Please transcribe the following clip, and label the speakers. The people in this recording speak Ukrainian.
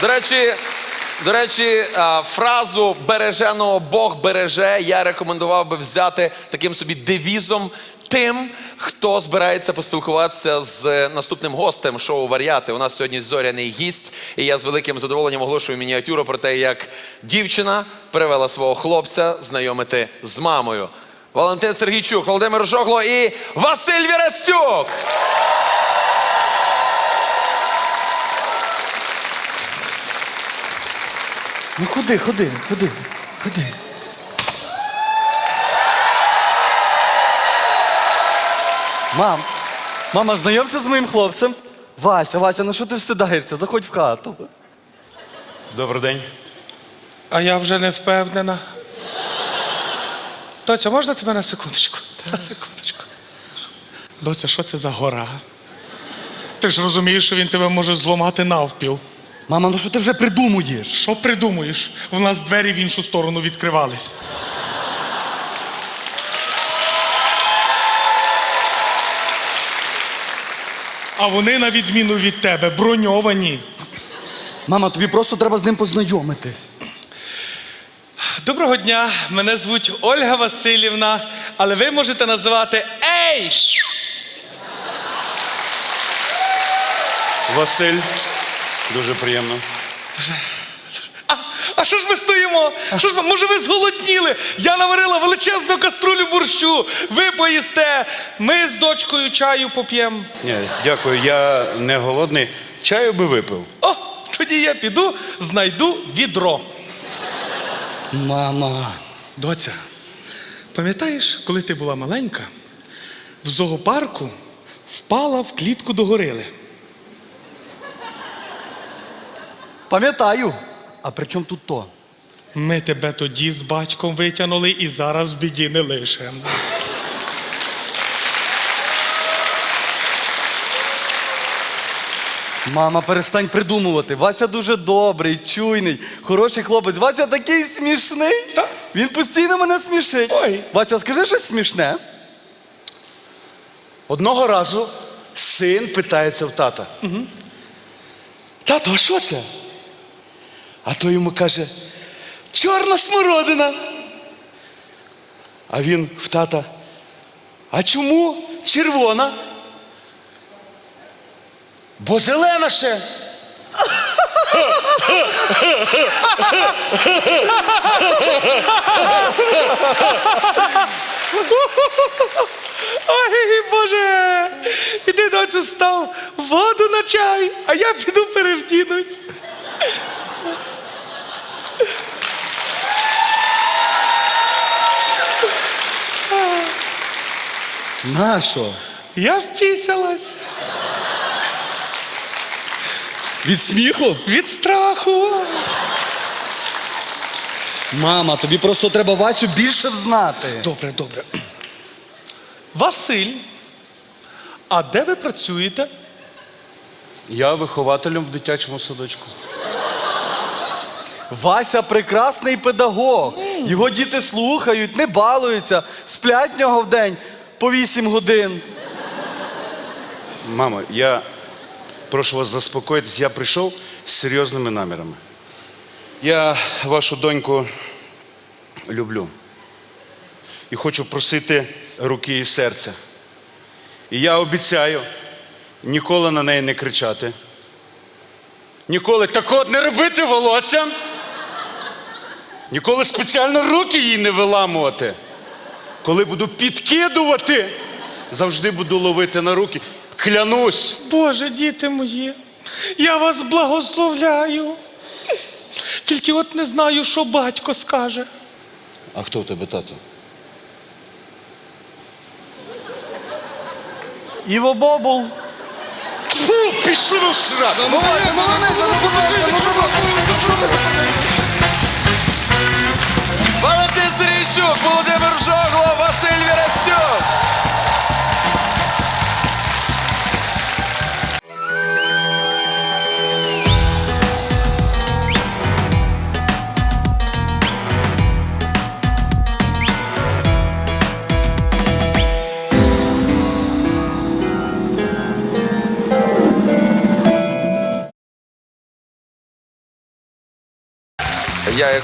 Speaker 1: До речі, фразу «береженого Бог береже» я рекомендував би взяти таким собі девізом тим, хто збирається поспілкуватися з наступним гостем шоу «Вар'яти». У нас сьогодні зоряний гість, і я з великим задоволенням оголошую мініатюру про те, як дівчина привела свого хлопця знайомити з мамою. Валентин Сергійчук, Володимир Жогло і Василь Вірастюк!
Speaker 2: Ну ходи. Мама, знайомся з моїм хлопцем. Вася, ну що ти встидаєшся? Заходь в хату.
Speaker 3: Добрий день.
Speaker 4: А я вже не впевнена. Доця, можна тебе на секундочку? На секундочку. Доця, що це за гора? Ти ж розумієш, що він тебе може зламати навпіл.
Speaker 2: Мама, ну що ти вже придумуєш?
Speaker 4: Що придумуєш? В нас двері в іншу сторону відкривались. А вони, на відміну від тебе, броньовані.
Speaker 2: Мама, тобі просто треба з ним познайомитись.
Speaker 4: Доброго дня, мене звуть Ольга Васильівна, але ви можете називати Ей!
Speaker 3: Василь. Дуже приємно.
Speaker 4: А що ж ми стоїмо? Може ви зголодніли? Я наварила величезну каструлю борщу. Ви поїсте, ми з дочкою чаю поп'ємо.
Speaker 3: Ні, дякую, я не голодний. Чаю би випив.
Speaker 4: О, тоді я піду, знайду відро.
Speaker 2: Мама.
Speaker 4: Доця, пам'ятаєш, коли ти була маленька, в зоопарку впала в клітку до горили?
Speaker 2: Пам'ятаю. А при чому тут то?
Speaker 4: Ми тебе тоді з батьком витягнули і зараз в біді не лишимо.
Speaker 2: Мама, перестань придумувати. Вася дуже добрий, чуйний, хороший хлопець. Вася такий смішний.
Speaker 4: Так.
Speaker 2: Він постійно мене смішить.
Speaker 4: Ой.
Speaker 2: Вася, скажи щось смішне.
Speaker 3: Одного разу син питається в тата. Тато, а що це? А той йому каже, чорна смородина. А він в тата, а чому червона? Бо зелена ще.
Speaker 4: Ой, Боже! Іди, доцю, став воду на чай, а я піду перевдінусь.
Speaker 2: Нащо?
Speaker 4: Я впісялась.
Speaker 2: Від сміху?
Speaker 4: Від страху.
Speaker 2: Мама, тобі просто треба Васю більше взнати.
Speaker 4: Добре. Василь, а де ви працюєте?
Speaker 3: Я вихователем в дитячому садочку.
Speaker 2: Вася прекрасний педагог. Його діти слухають, не балуються, сплять в нього в день по 8 годин.
Speaker 3: Мамо, я прошу вас заспокоїтись, я прийшов з серйозними намірами. Я вашу доньку люблю. І хочу просити руки і серця. І я обіцяю ніколи на неї не кричати. Ніколи так от не робити волосся. Ніколи спеціально руки їй не виламувати. Коли буду підкидувати, завжди буду ловити на руки. Клянусь.
Speaker 4: Боже, діти мої, я вас благословляю. Тільки от не знаю, що батько скаже.
Speaker 3: А хто в тебе тато?
Speaker 2: Іво Бобул.
Speaker 3: Фу, пішли ви сраку!
Speaker 2: Ну, Вася, ну,
Speaker 1: Валентин Сергійчук, Володимир Жогло, Василь Вірастюк! Я як